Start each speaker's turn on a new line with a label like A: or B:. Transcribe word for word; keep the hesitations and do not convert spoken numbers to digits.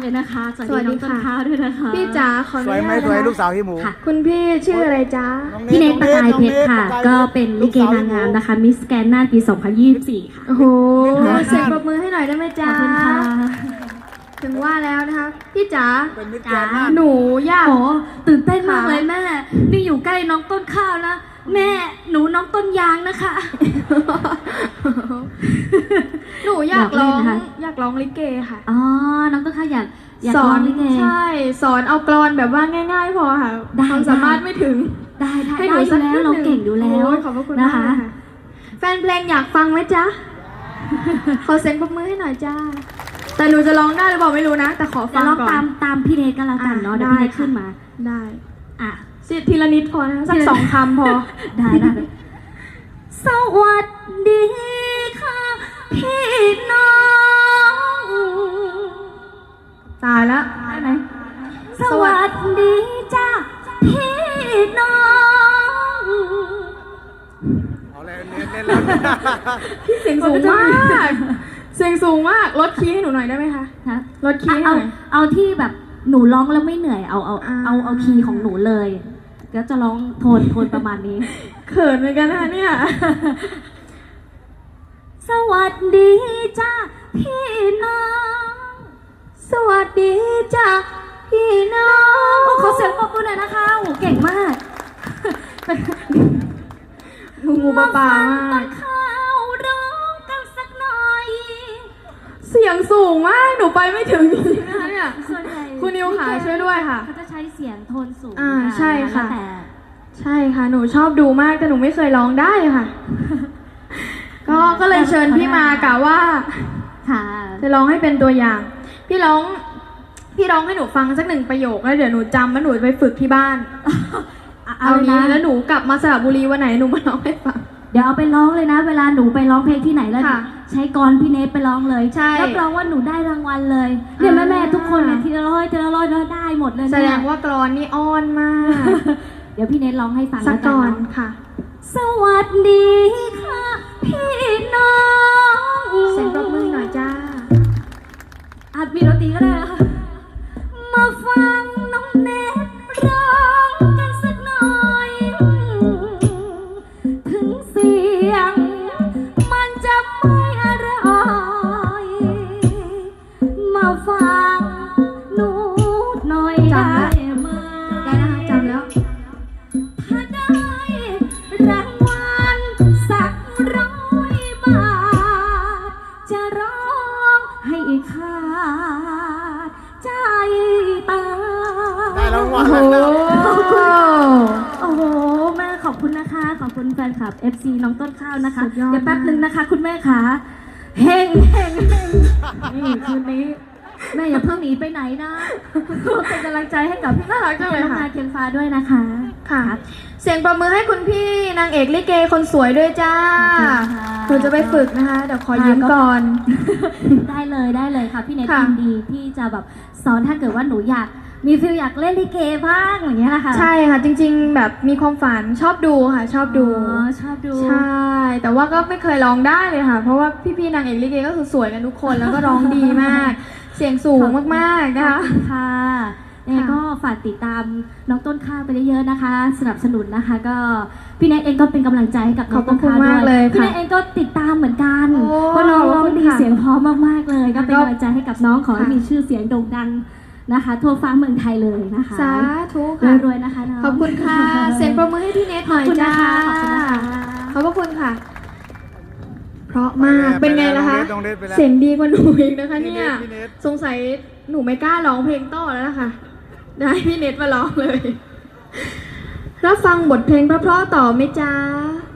A: เลยนะคะสวัสดีน้องต้นข้าวด้วยนะคะ
B: พี่จ๋าขออนุ
C: สวย
B: ญา
C: ไหม
B: ต
C: สวย
B: นะ
C: ลูกสาวพี่หมู
A: ค่ะ
B: คุณพี่ชื่ออะไรจ๊ะ
A: พี่เนตประกายเพชรค่ะ ก็เป็นลิเกนางงามนะคะมิสแกนน่านปีสองพันยี่สิบสี่ค่ะ
B: โอ้โหเสียงปรบมือให้หน่อยได้ไหม
A: ข
B: จ๊ะ
A: อบคุณค่ะ
B: ถึงว่าแล้วนะคะพี่จ๋า
C: เป็นมิตรแกนน่าน
B: หนูอยาก
A: โอ้ตื่นเต้นมาก
B: ค่ะ
A: เลยแม่นี่อยู่ใกล้น้องต้นข้าวนะแม่หนูน้องต้นยางนะคะ
B: หนูอยาก
A: อยากเล่
B: ร้
A: น
B: อง
A: นะคะ
B: อยากร้องลิเกค่ะ
A: อ๋อน้องต้นข้าวอยากอยาก
B: สอ
A: ร้อน งลิเก
B: ใช่สอนเอากรอนแบบว่าง่าย ๆ พอค่ะ
A: ได้
B: ความสามารถไม่ถึง
A: ได้ได้
B: ให้ห
A: ได้
B: นู
A: อยู่แล้วเราเก่งอยู่แล้ว
B: โอ้ยขอบพระคุณ
A: นะ
B: มาก
A: คะ
B: เลยค่ะแฟนเพลงอยากฟังไหมจ๊ะ ขอเสียงปรบมือให้หน่อยจ้า แต่หนูจะร้องได้หรือเปล่าไม่รู้นะ แต่ขอฟั
A: จะ
B: ง
A: ลอง
B: ก่อน
A: ตามตามพี่เนทก็แล้วกันเนาะ
B: อ่ะ
A: เดี๋ยวพี่เนท
B: ได้ค่ะ
A: ขึ้นมา
B: ได้
A: อ่ะ
B: สิทีละนิดพอนะสักสองคำพอ
A: ได้ได้สวัสดีค่ะพี่น้อง
B: ตายแล้วได้ไหม
A: สวัสดีจ้าพี่น้อง
C: เอาเลยเน้นเล่นแล้ว
B: พี่เสียงสูงมาก เสียงสูงมากลดคีย์ให้หนูหน่อยได้ไหมคะ
A: ฮะ
B: ลดคีย์ให้ห
A: เอา
B: น่อย
A: เอาที่แบบหนูร้องแล้วไม่เหนื่อยเอาเอา
B: อ่า
A: เอาเอาคีย์ของหนูเลยแล้วจะร้องโทนโทนประมาณนี้
B: เขินเหมือนกันนะคะเนี่ย
A: สวัสดีจ้าพี่น้อง
B: สวัสดีจ้ะพี่น้อง
A: โอ้ขอเสียงปรบมือหน่อยนะคะโอ้เก่งมาก
B: งูงูปลาปลา
A: ต้
B: มาก
A: นข้าวร้องกันสักหน่อย
B: เสียงสูงมาก หนูไปไม่ถึงจริงๆนะคะเนี่ย
A: ส่วนใหญ่
B: คุณนิวขาช่วยด้วยค่ะ
A: เขาจะใช้เสียงโทนสูง
B: อ่า
A: กัน
B: ใช่ค่ะ
A: แล้วแต่
B: ใช่ค่ะ หนูชอบดูมากแต่หนูไม่เคยร้องได้ค่ะ ก็ก็เลยเชิญพี่มากะว่า
A: ค่ะ
B: จะร้องให้เป็นตัวอย่าง พี่ร้อง พี่ร้องให้หนูฟังสักหนึ่งประโยคแล้วเดี๋ยวหนูจำแล้วหนูไปฝึกที่บ้าน เอา
A: เลย
B: นี้
A: นะ
B: แล้วหนูกลับมาสระบุรีวันไหนหนูมาร้องให้ฟัง
A: เดี๋ยวเอาไปร้องเลยนะ เวลาหนูไปร้องเพลงที่ไหนแล้ว
B: ค่ะ
A: ใช้กรพี่เนทไปร้องเลย
B: ใช่
A: รับรองว่าหนูได้รางวัลเลยเนี่ยแม่แม่ๆทุกคนเนี่ย
B: อ่า
A: ทีละร้อยทีละร้อยแล้วได้หมดเลย
B: แส
A: เนี่ย
B: ดงว่ากรอนนี่อ้อนมาก
A: เดี๋ยวพี่เนทร้องให้ฟัง
B: สัก
A: แล้ว
B: ก่อน
A: เาะ
B: ค่ะ
A: สวัสดีค่ะพี่น้อง
B: เสียงปรบมือหน่อยจ้า
A: อาจมีดนตรีก็ได้นะคะมาฟังน้องเนตร้องกันสักหน่อย ถึงเสียงมันจะไม่อร่อยมาฟังหนูหน่อย
B: จำ
A: ได้
B: แล้ว
A: ไหม
B: ได้นะคะจำแล้ว
A: ถ้าได้รางวัลสักร้อยบาท จะร้องให้ขาดใจตาย
C: ได้รางวัล
B: โอ้โห
A: โอ้โหแม่ขอบคุณนะคะ ขอบคุณแฟนคลับ เอฟ ซี น้องต้นข้าวนะคะ
B: สุดยอด
A: เดี๋ยวแป๊บนึงนะคะ คุณแม่ขาเฮงเฮงเฮงนี่คืนนี้แม่อย่าเพิ่งหนีไปไหนนะเป็นกำลังใจให้กับพี่
B: น่ารักจังเลย
A: น้อง
B: ค่ะ
A: นายเคียงฟ้าด้วยนะคะ
B: ค่ะ เสียงประมือให้คุณพี่นางเอกลิเกคนสวยด้วยจ้า
A: ขอบคุณค่ะ
B: หนูจะไปฝึกนะคะ เดี๋ยวขอยืมก่อน
A: ได้เลยได้เลยค่ะพี่เนท
B: ค่ะ
A: ยินดีที่จะแบบสอนถ้าเกิดว่าหนูอยากมีฟิลอยากเล่นลิเกบ้างอย่างเงี้ยนะคะ
B: ใช่ค่ะ จริงๆ แบบมีความฝันชอบดูค่ะ ชอบดู
A: อ๋อชอบดู
B: ใช่ แต่ว่าก็ไม่เคยร้องได้เลยค่ะ เพราะว่าพี่ๆนางเอกลิเกก็คือสวยกันทุกคนแล้วก็ร้องดีมาก เสียงสูงมากๆนะคะ
A: ขอบคุณค่ะยังไงก็ฝากติดตามน้องต้นข้าวไปเยอะๆนะคะ สนับสนุนนะคะ ก็พี่เนทเองก็เป็นกำลังใจให้กับน้องต้นข้าว
B: ขอบคุณ
A: ด้
B: มาก
A: วย
B: เลย
A: พี่
B: ค่ะ
A: เนทเองก็ติดตามเหมือนกัน
B: โอ้
A: เพราะน้องร้องดี
B: ขอบคุณค่ะ
A: เสียงเพราะมากๆเลย ก็เป็น
B: แล้วก็
A: กำลังใจให้กับน้องขอให้
B: ค่ะ
A: มีชื่อเสียงโด่งดังนะคะ ทั่วฟ้าเมืองไทยเลยนะคะ
B: สาธุค่ะ
A: รวยๆนะคะน้อง
B: ขอบคุณค่ะ เสียงประมือให้พี่เนทหน่อยจ้า
A: ขอบคุณนะคะ
B: ขอบพระคุณค่ะ เพราะมาก เป็นไงล่ะคะ
C: น้องเนทไปแล้ว
B: เสียงดีกว่าหนูอีกนะคะ
C: พี่
B: เนี่
C: เน
B: ย
C: ทพี่เนท
B: สงสัยหนูไม่กล้าร้องเพลงต่อแล้วล่ะค่ะ ได้พี่เนทมาร้องเลย รับฟังบทเพลงเพราะๆต่อไหมจ๊ะ